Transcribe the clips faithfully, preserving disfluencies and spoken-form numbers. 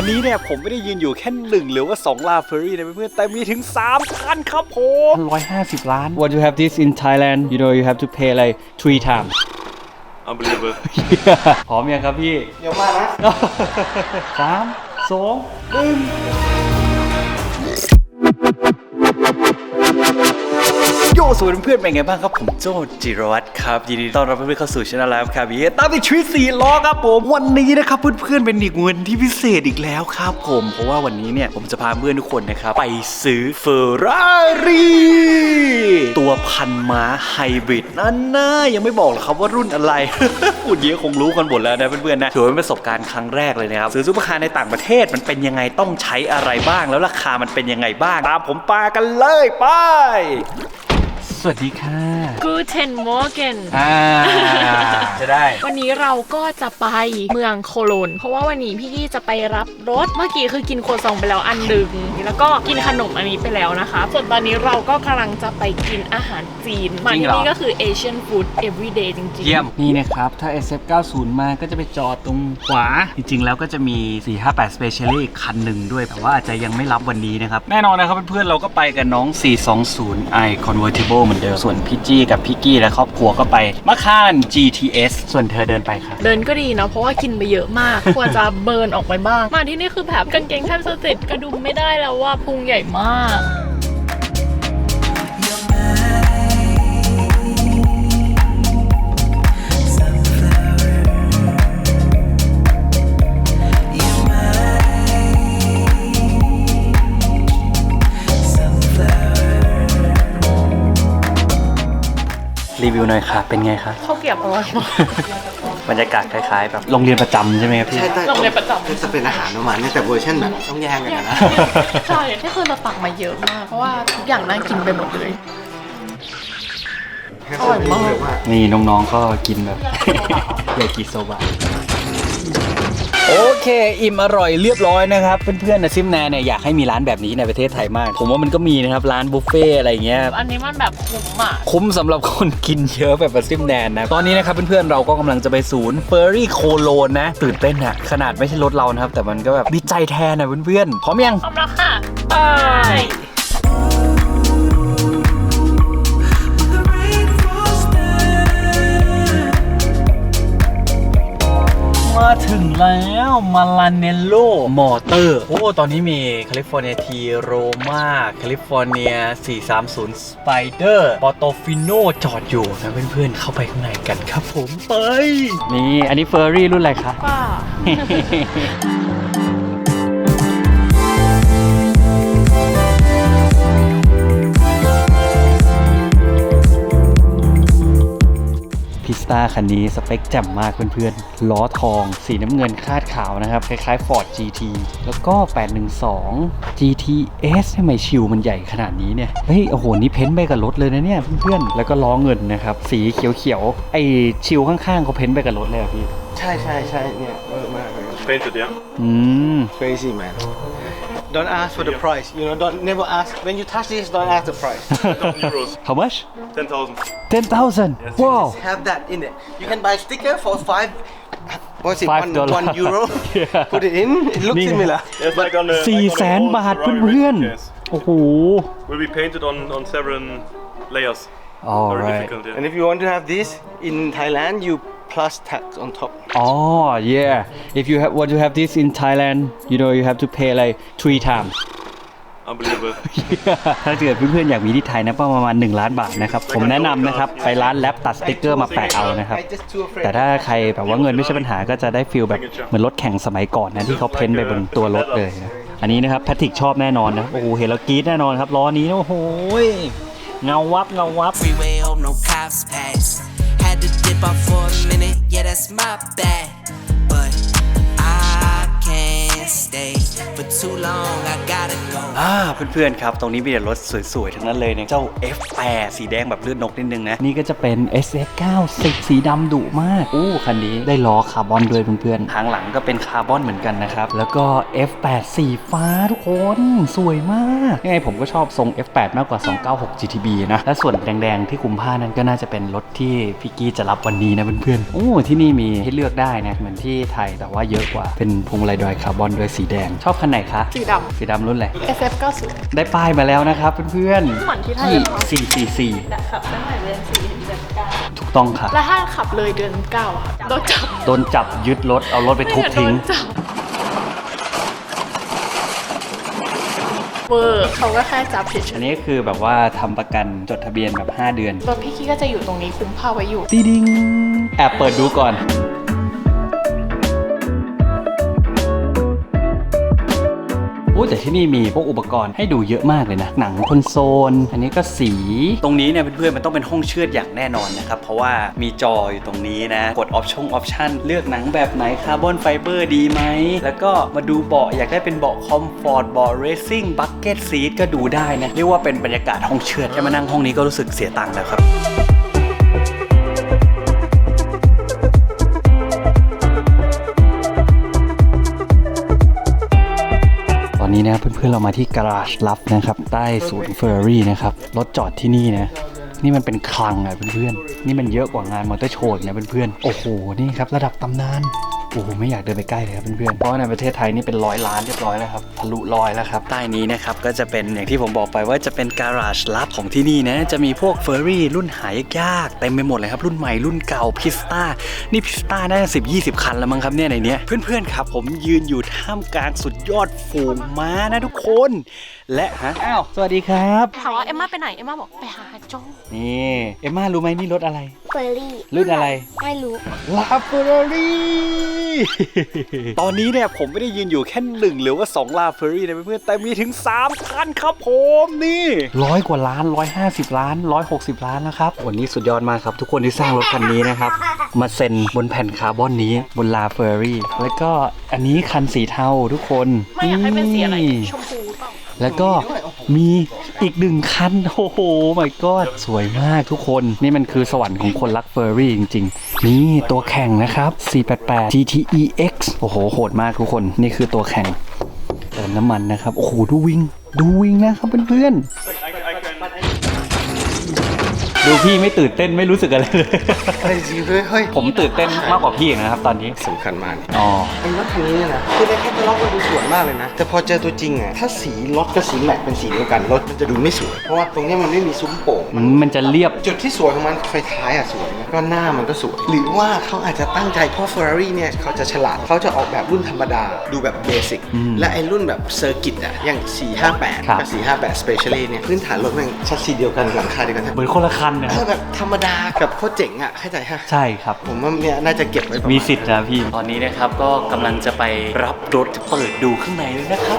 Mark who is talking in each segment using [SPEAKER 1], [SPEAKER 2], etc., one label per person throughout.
[SPEAKER 1] วันนี้เนี่ยผมไม่ได้ยืนอยู่แค่หนึ่งหรือว่าสองลาเฟอร์รี่นะเพื่อนๆแต่มีถึงสามคันครับผมหนึ่งร้อยห้าสิบล้าน What you have this in Thailand you know you have to pay like three times
[SPEAKER 2] Unbelievable
[SPEAKER 1] พร้อมยังครับพี่เดี๋ยวมานะสามสองหนึ่งโยสวัสดีเพื่อนเป็นไงบ้างครับผมโจจิรวัตรครับยินดีต้อนรับเพื่อนๆเข้าสู่ช่องไลฟ์ครับตามไปทริปสี่ล้อครับผมวันนี้นะครับเพื่อนๆเป็นอีกวันที่พิเศษอีกแล้วครับผมเพราะว่าวันนี้เนี่ยผมจะพาเพื่อนทุกคนนะครับไปซื้อเฟอร์รารี่ตัวพันม้าไฮบริดนั่นนะยังไม่บอกหรอกครับว่ารุ่นอะไร พูดเยอะคงรู้กันหมดแล้วนะเพื่อนๆนะถือว่าเป็นประสบการณ์ครั้งแรกเลยนะครับซื้อซุปเปอร์คาร์ในต่างประเทศมันเป็นยังไงต้องใช้อะไรบ้างแล้วราคามันเป็นยังไงบ้างตามผมปากันเลยไปสวัสดีค่ะ
[SPEAKER 3] Guten Morgen
[SPEAKER 1] อ่าจะได้
[SPEAKER 3] วันนี้เราก็จะไปเมืองโคโลนเพราะว่าวันนี้พี่กี้จะไปรับรถเมื่อกี้คือกินโคซองไปแล้วอันหนึ่งแล้วก็กินขนมอันนี้ไปแล้วนะคะส่วนตอนนี้เราก็กำลังจะไปกินอาหารจีนมาที่นี่ก็คือ Asian food everyday จริงๆ
[SPEAKER 1] เยี่ยมนี่นะครับถ้า เอส เอฟ เก้าสิบ มาก็จะไปจอดตรงขวาจริงๆแล้วก็จะมีสี่ห้าแปด Specially อีกคันหนึ่งด้วยแต่ว่าอาจจะยังไม่รับวันนี้นะครับแน่นอนนะครับเพื่อนๆเราก็ไปกับน้องสี่สองศูนย์ i Convertibleเหมือนเดิมส่วนพี่จี้กับพี่กี้และครอบครัวก็ไปมะค่าน จี ที เอส ส่วนเธอเดินไปครับ
[SPEAKER 3] เดินก็ดีนะเพราะว่ากินไปเยอะมากควรจะเบิร์นออกไปบ้างมาที่นี่คือแบบกางเกงแทบจะติดกระดุมไม่ได้แล้วว่าพุงใหญ่มาก
[SPEAKER 1] รีวิวหน่อยค่ะเป็นไงคะ
[SPEAKER 3] ข้าวเกรี๊ยวอร่อยมาก
[SPEAKER 1] บรรยากาศคล้ายๆแบบโรงเรียนประจำใช่ไหมครับพี่
[SPEAKER 4] ใช่
[SPEAKER 3] โรงเรียนประจำ
[SPEAKER 4] จะเป็นอาหารประมาณนี้แต่เวอร์ชันแบบต้องแย่งกันนะ
[SPEAKER 3] ใช่ที่คือเราตักมาเยอะมากเพราะว่าทุกอย่างน่ากินไปหมดเลยอร่อยมาก
[SPEAKER 1] นี่น้องๆก็กินแบบยากิโซบะโอเคอิ่มอร่อยเรียบร้อยนะครับเพื่อนๆนะซิมแนนเนี่ยอยากให้มีร้านแบบนี้ในประเทศไทยมากผมว่ามันก็มีนะครับร้านบุฟเฟ่อะไรเงี้ย
[SPEAKER 3] อันนี้มันแบบคุ้มอ่ะ
[SPEAKER 1] คุ้มสำหรับคนกินเยอะแบบซิมแนนนะตอนนี้นะครับเพื่อนๆเราก็กำลังจะไปศูนย์เฟอร์รี่โคโลนนะตื่นเต้นอะขนาดไม่ใช่รถเรานะครับแต่มันก็แบบดีใจแทนนะเพื่อนๆพร้อมยัง
[SPEAKER 3] พร้อมแล้วค่ะไป
[SPEAKER 1] มาถึงแล้วมาลาเนโลมอเตอร์โอ้ตอนนี้มีแคลิฟอร์เนียทีโรมาแคลิฟอร์เนียสี่สามศูนย์สไปเดอร์ปอโตฟิโนจอดอยู่นะเพื่อนๆเข้าไปข้างในกันครับผมไปนี่อันนี้เฟอร์รี่รุ่นอะไรคะ
[SPEAKER 3] ป้า
[SPEAKER 1] พิสต้าคันนี้สเปคแจ่มมากเพื่อนๆล้อทองสีน้ำเงินคาดขาวนะครับคล้ายๆ Ford จี ที แล้วก็แปดหนึ่งสอง จี ที เอส ทำไมชิวมันใหญ่ขนาดนี้เนี่ยเฮ้ยโอ้โหนี่เพ้นท์ไปกับรถเลยนะเนี่ยเพื่อนๆแล้วก็ล้อเงินนะครับสีเขียวๆไอชิวข้างๆเขาเพ้นท์ไปกับรถเลยอ่ะพี่
[SPEAKER 4] ใช่ใช่ใช่เนี่ยเยอะมากเลย
[SPEAKER 2] Painted, yeah.
[SPEAKER 1] อืม
[SPEAKER 4] crazy man don't ask for the price you know don't never ask when you touch this don't ask the price
[SPEAKER 2] Euros.
[SPEAKER 1] How much
[SPEAKER 2] ten thousand.
[SPEAKER 1] ten thousand wow
[SPEAKER 4] have that in it you can buy sticker for five what's it one one euro put it in it looks similar
[SPEAKER 2] It's like on the
[SPEAKER 1] สี่แสนบาทเพื่อนๆโอ้โห
[SPEAKER 2] Will be painted on on several layers.
[SPEAKER 1] All
[SPEAKER 2] Very
[SPEAKER 1] right.
[SPEAKER 2] difficult, yeah.
[SPEAKER 4] and if you want to have this in Thailand you plus tax on top
[SPEAKER 1] oh yeah if you have what you have this in Thailand you know you have to pay like three times
[SPEAKER 2] Unbelievable
[SPEAKER 1] ถ้าเกิดเพื่อนๆอยากมีที่ไทยนะประมาณหนึ่งล้านบาทนะครับผมแนะนำนะครับไปร้านแลปตัดสติ๊กเกอร์มาแปะเอานะครับแต่ถ้าใครแบบว่าเงินไม่ใช่ปัญหาก็จะได้ฟีลแบบเหมือนรถแข่งสมัยก่อนนะที่เขาเพ้นไปบนตัวรถเลยนะอันนี้นะครับแพทริกชอบแน่นอนนะโอ้โหเห็นแล้วกรี๊ดแน่นอนครับล้อนี้โอ้โหเงาวับเงาวับ
[SPEAKER 5] Freeway hope no cops pass Had to dip off for a minute yeah that's my bad But I can't stay for too long, I gotta go.
[SPEAKER 1] อ่าเพื่อนๆครับตรงนี้มีแต่รถสวยๆทั้งนั้นเลยเนี่ยเจ้า เอฟ แปด สีแดงแบบเลือดนกนิดนึงนะนี่ก็จะเป็น เอส เอ็กซ์ เก้าสิบ สีดำดุมากอู้คันนี้ได้ล้อคาร์บอนด้วยเพื่อนๆทางหลังก็เป็นคาร์บอนเหมือนกันนะครับแล้วก็ เอฟ แปด สีฟ้าทุกคนสวยมากยังไงผมก็ชอบทรง เอฟ แปด มากกว่า สองเก้าหก จี ที บี นะและส่วนแดงๆที่คุมผ้านั้นก็น่าจะเป็นรถที่พี่กี้จะรับวันนี้นะเพื่อนๆโอ้ที่นี่มีให้เลือกได้นะเหมือนที่ไทยแต่ว่าเยอะกว่าเป็นพวงมาลัยดอยคาร์บอนด้วยสีแดงชอบคันไหนคะ
[SPEAKER 3] สีดำ
[SPEAKER 1] สีดำรุ่นอะไร
[SPEAKER 3] เอส เอฟ เก้าสิบ
[SPEAKER 1] ได้ป้ายมาแล้วนะครับเพื่อนๆ
[SPEAKER 3] เหมือนที่ไทย
[SPEAKER 1] สี่สี่สี่
[SPEAKER 3] ขับตั้งแต่เดือนสี่ถึงเดือนเก้า
[SPEAKER 1] ถูกต้องค่ะ
[SPEAKER 3] แล้วถ้าขับเลยเดือนเก้าค่ะโดนจับ
[SPEAKER 1] โดนจับยึดรถเอารถไปทุบทิ้ง
[SPEAKER 3] โดนจับเวอร์เขาก็แค่จับเฉย
[SPEAKER 1] อันนี้คือแบบว่าทำประกันจดทะเบียนแบบห้าเดือน
[SPEAKER 3] ๆรถพี่กี้ก็จะอยู่ตรงนี้คุมผ้าไว้อยู่
[SPEAKER 1] ตีดิงแอบเปิดดูก่อนโอ้แต่ที่นี่มีพวกอุปกรณ์ให้ดูเยอะมากเลยนะหนังคอนโซลอันนี้ก็สีตรงนี้เนี่ยเพื่อนๆมันต้องเป็นห้องเชือดอย่างแน่นอนนะครับเพราะว่ามีจออยู่ตรงนี้นะกดออปชั่นออปชั่นเลือกหนังแบบไหนคาร์บอนไฟเบอร์ดีไหมแล้วก็มาดูเบาะอยากได้เป็นเบาะคอมฟอร์ตเบาะเรซซิ่งบัคเก็ตซีทก็ดูได้นะเรียกว่าเป็นบรรยากาศห้องเชือดแค่มานั่งห้องนี้ก็รู้สึกเสียตังค์แล้วครับตอนนี้นะเพื่อนๆเรามาที่การาจลับนะครับใต้ศูนย์เฟอร์รารี่นะครับรถจอดที่นี่นะนี่มันเป็นคลังอ่ะเพื่อนๆนี่มันเยอะกว่างานมอเตอร์โชว์นะเพื่อนๆโอ้โหนี่ครับระดับตำนานโอ้โหไม่อยากเดินไปใกล้เลยครับเพื่อนๆเพราะในประเทศไทยนี่เป็นร้อยล้านเรียบร้อยแล้วครับทะลุร้อยแล้วครับใต้นี้นะครับก็จะเป็นอย่างที่ผมบอกไปว่าจะเป็นการาจลับของที่นี่นะจะมีพวกเฟอร์รารี่รุ่นหายากๆเต็มไปหมดเลยครับรุ่นใหม่รุ่นเก่าพิสต้านี่พิสต้าน่าจะสิบยี่สิบคันแล้วมั้งครับเนี่ยในเนี้ยเพื่อนๆครับผมยืนอยู่ท่ามกลางสุดยอดฝูงม้านะทุกคนและฮะอ้าวสวัสดีครับ
[SPEAKER 3] ถามว่าเอ็มม่าไปไหนเอ็มม่าบอกไปหาโจ
[SPEAKER 1] นี่เอ็มม่ารู้ไหมนี่รถอะไร
[SPEAKER 6] เฟอร์รี่
[SPEAKER 1] รุ่นอะไร
[SPEAKER 6] ไม่รู้
[SPEAKER 1] ลาเฟอร์รารี่ ตอนนี้เนี่ยผมไม่ได้ยืนอยู่แค่หนึ่งหรือว่าสองลาเฟอร์รี่นะเพื่อนๆแต่มีถึงสามคันครับผมนี่ร้อยกว่าล้านร้อยห้าสิบล้านร้อยหกสิบล้านนะครับวันนี้สุดยอดมากครับทุกคนที่สร้างรถคันนี้นะครับมาเซ็นบนแผ่นคาร์บอนนี้บนลาเฟอร์รี่แล้วก็อันนี้คันสีเทาทุกคน
[SPEAKER 3] ไม่อยากให้เป็นสีอะไรชมพูเปล่า
[SPEAKER 1] แล้วก็มีอีกหนึ่งคันโอ้โห my god สวยมากทุกคนนี่มันคือสวรรค์ของคนรักเฟอร์รี่จริงๆนี่ตัวแข่งนะครับสี่แปดแปด จี ที อี เอ็กซ์ โอ้โหโหดมากทุกคนนี่คือตัวแข่งเติมน้ำมันนะครับโอ้โหดูวิ่งดูวิ่งนะครับเพื่อนๆดูพี่ไม่ตื่นเต้นไม่รู้สึกอะไรเลย
[SPEAKER 4] อะไรสิเฮ้ยเฮ้ย
[SPEAKER 1] ผมตื่นเต้นมากกว่าพี่นะครับตอนนี้
[SPEAKER 4] สำคัญมาก
[SPEAKER 1] อ๋อ
[SPEAKER 4] ไอ้รถคันนี้เนี่ยนะคือในแคตตาล็อกมันดูสวยมากเลยนะแต่พอเจอตัวจริงอ่ะถ้าสีรถกับสีแม็กเป็นสีเดียวกันรถมันจะดูไม่สวยเพราะว่าตรงนี้มันไม่มีซุ้มโป่ง
[SPEAKER 1] มันมันจะเรียบ
[SPEAKER 4] จุดที่สวยของมันไฟท้ายอ่ะสวยนะก็หน้ามันก็สวยหรือว่าเขาอาจจะตั้งใจเพราะ Ferrari เนี่ยเขาจะฉลาดเขาจะออกแบบรุ่นธรรมดาดูแบบเบสิกและไอ้รุ่นแบบเซอร์กิตอ่ะอย่างสี่ห้าแปด
[SPEAKER 1] ครับ
[SPEAKER 4] กับสี่ห้าแปด Specially เนี่ยพื้นฐานรถมันชัสซีเดียวกันหลังคาเดียวกัน
[SPEAKER 1] เหมือนคนละคันนะ
[SPEAKER 4] เออแบบธรรมดากับโคตรเจ๋งอ่ะเข้าใจฮะ
[SPEAKER 1] ใช่ครับ
[SPEAKER 4] ผมว่าเนี่ยน่าจะเก็บไว้ประาณ
[SPEAKER 1] มีสิทธิ์นะพี่ ตอนนี้นะครับก็กำลังจะไปรับรถเปิดดูข้างในเลยนะครับ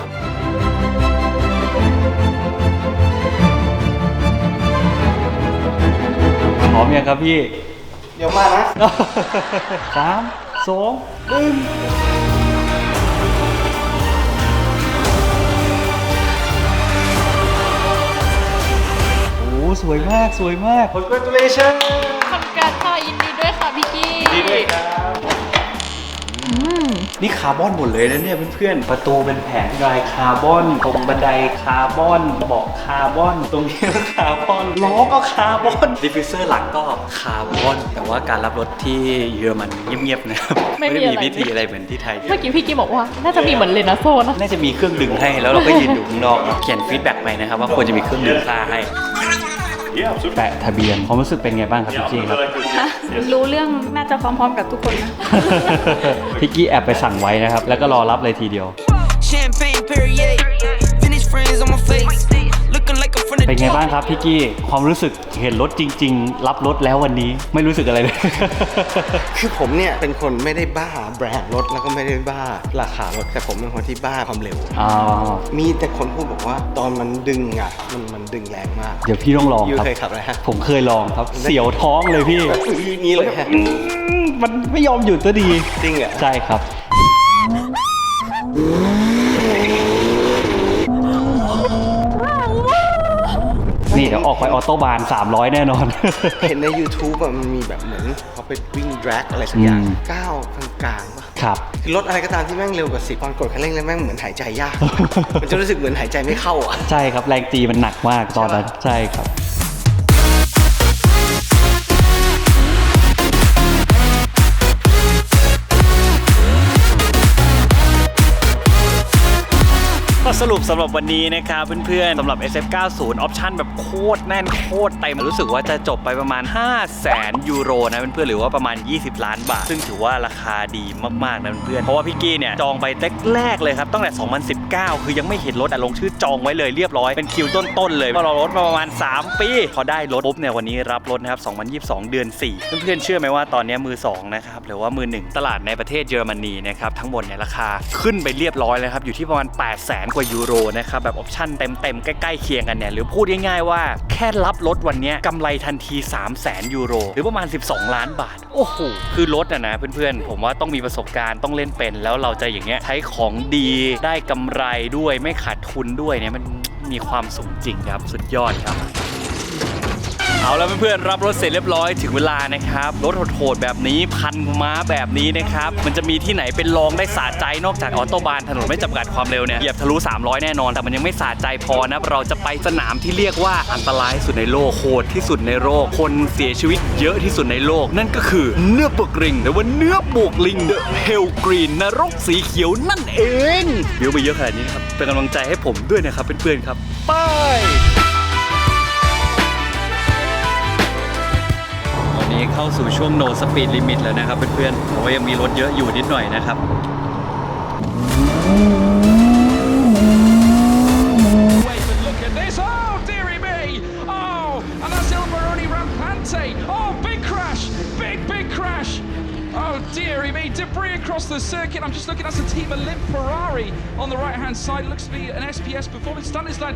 [SPEAKER 1] พร้อมยังครับพี่
[SPEAKER 4] เดี๋ยวมานะ
[SPEAKER 1] สามสองหนึ่งโอ้สวยมากสวยมาก
[SPEAKER 4] Congratulations
[SPEAKER 3] ทำการค่ะยินดีด้วยค่ะพี่กี้
[SPEAKER 1] ดีด้วยครับนี่คาร์บอนหมดเลยนะเนี่ยเพื่อนๆประตูเป็นแผงลายคาร์บอนตรงบันไดคาร์บอนเบาะคาร์บอนตรงนี้ก็คาร์บอนล้อก็คาร์บอนดิฟฟิวเซอร์หลังก็คาร์บอนแต่ว่าการรับรถที่เยอรมันเงียบๆนะครับไม่ได้มีพิธีอะไรเหมือนที่ไทย
[SPEAKER 3] เมื่อกี้พี่กี้บอกว่าน่าจะมีเหมือนเลนาโซนะ
[SPEAKER 1] น่าจะมีเครื่องดึงให้แล้วเราก็ยืนอยู่ข้างนอกเขียนฟีดแบ็กไปนะครับว่าควรจะมีเครื่องดึงค่าให้
[SPEAKER 2] Yeah, absolutely.
[SPEAKER 1] แปะทะเบียนความรู้สึกเป็นไงบ้างครับ
[SPEAKER 2] Yeah,
[SPEAKER 1] พี่กี้ครับ
[SPEAKER 2] like this, yes. Yes.
[SPEAKER 6] รู้เรื่องน่าจะพร้อมๆกับทุกคนนะ
[SPEAKER 1] พี่กี้แอบไปสั่งไว้นะครับแล้วก็รอรับเลยทีเดียว
[SPEAKER 5] Champagne Perrier, vintage friends on my face, looking like I'm from the
[SPEAKER 1] เป็นไงบ้างครับพี่กี้ความรู้สึกเห็นรถจริง ๆ รับรถแล้ววันนี้ไม่รู้สึกอะไรเลย
[SPEAKER 4] คือผมเนี่ยเป็นคนไม่ได้บ้าแบรนด์รถแล้วก็ไม่ได้บ้าราคารถแต่ผมเป็นคนที่บ้าความเร็ว
[SPEAKER 1] อ๋อ
[SPEAKER 4] มีแต่คนพูดบอกว่าตอนมันดึงอ่ะมันมันดึงแรงมาก
[SPEAKER 1] เดี๋ยวพี่ต้องลอง
[SPEAKER 4] ยู
[SPEAKER 1] ครับ
[SPEAKER 4] เคยขับอะไรฮะ
[SPEAKER 1] ผมเคยลองครับ เสียวท้องเลยพี่
[SPEAKER 4] แบบอื้อนี้เลยฮะ
[SPEAKER 1] อืมมันไม่ยอมหยุดตัวดี
[SPEAKER 4] จริงเหรอ
[SPEAKER 1] ใช่ครับดี๋ยวออกไปออโต้บานสามร้อยแน่นอน
[SPEAKER 4] เห็นใน YouTube อะมันมีแบบเหมือนเขาไปวิ่งแดร็กอะไรสักอย่าง
[SPEAKER 1] อืม
[SPEAKER 4] ก้าวกลางๆป่ะ
[SPEAKER 1] ครับ
[SPEAKER 4] คือรถอะไรก็ตามที่แม่งเร็วกว่าสิบตอนกดคันเร่งแล้วแม่งเหมือนหายใจยาก มันจะรู้สึกเหมือนหายใจไม่เข้าอ่ะ
[SPEAKER 1] ใช่ครับแรงจีมันหนักมากตอนนั้นใช่ครับก็สรุปสำหรับวันนี้นะครับเพื่อนๆสำหรับ เอส เอฟ เก้าสิบ ออปชั่นแบบโคตรแน่นโคตรเต็มรู้สึกว่าจะจบไปประมาณ ห้าแสน ยูโรนะเพื่อนๆหรือว่าประมาณ ยี่สิบ ล้านบาท ซึ่งถือว่าราคาดีมากๆนะเพื่อนๆเพราะว่าพี่กี้เนี่ยจองไปแรกๆเลยครับตั้งแต่ สองพันสิบเก้า คือยังไม่เห็นรถแต่ลงชื่อจองไว้เลยเรียบร้อยเป็นคิวต้นๆเลยก็รอรถมาประมาณ สาม ปีพอได้รถปุ๊บเนี่ยวันนี้รับรถนะครับ สองพันยี่สิบสอง เดือน สี่ เพื่อนๆเชื่อไหมว่าตอนนี้มือสองนะครับหรือว่ามือหนึ่งตลาดในประเทศเยอรมนีนะครับทั้งหมดเนี่ยราคาขึ้นไปเรียบร้อยแล้วครับอยู่ที่ประมาณ แปดแสน กว่ายูโรนะครับแบบออปชั่นเต็มๆใกล้ๆเคียงกันเนี่ยหรือพูดง่ายๆว่าแค่รับรถวันนี้กำไรทันที สามแสน ยูโรหรือประมาณ สิบสอง ล้านบาทโอ้โหคือรถอะนะเพื่อนๆผมว่าต้องมีประสบการณ์ต้องเล่นเป็นแล้วเราจะอย่างเงี้ยใช้ของดีได้กำไรด้วยไม่ขาดทุนด้วยเนี่ยมันมีความสุขจริงครับสุดยอดครับเอาแล้วเพื่อนๆรับรถเสร็จเรียบร้อยถึงเวลานะครับรถโหดๆแบบนี้พันม้าแบบนี้นะครับมันจะมีที่ไหนเป็นรองได้สะใจนอกจากออโตบานถนนไม่จำกัดความเร็วเนี่ยเหยียบทะลุสามร้อยแน่นอนแต่มันยังไม่สะใจพอนะเราจะไปสนามที่เรียกว่าอันตรายที่สุดในโลกโหดที่สุดในโลกคนเสียชีวิตเยอะที่สุดในโลกนั่นก็คือเนื้อปกริงหรือว่าเนื้อปกลิงเดอะเฮลกรีนนรกสีเขียวนั่นเองเดี๋ยวไปเยอะขนาดนี้นะครับเป็นกำลังใจให้ผมด้วยนะครับเพื่อนๆครับไปนี้เข้าสู่ช่วง no speed limit แล้วนะครับเพื่อนๆแต่ว่ายังมีรถเยอะอยู่นิดหน่อยนะครับ
[SPEAKER 7] Wait, but look at this. Oh, dearie me. Oh, and that's Il Baroni Rampante. Oh, big crash. Big, big crash. Oh, dearie me. Debris across the circuit. I'm just looking at the team of Limp Ferrari on the right-hand side. Looks to be an S P S performance. Stanislav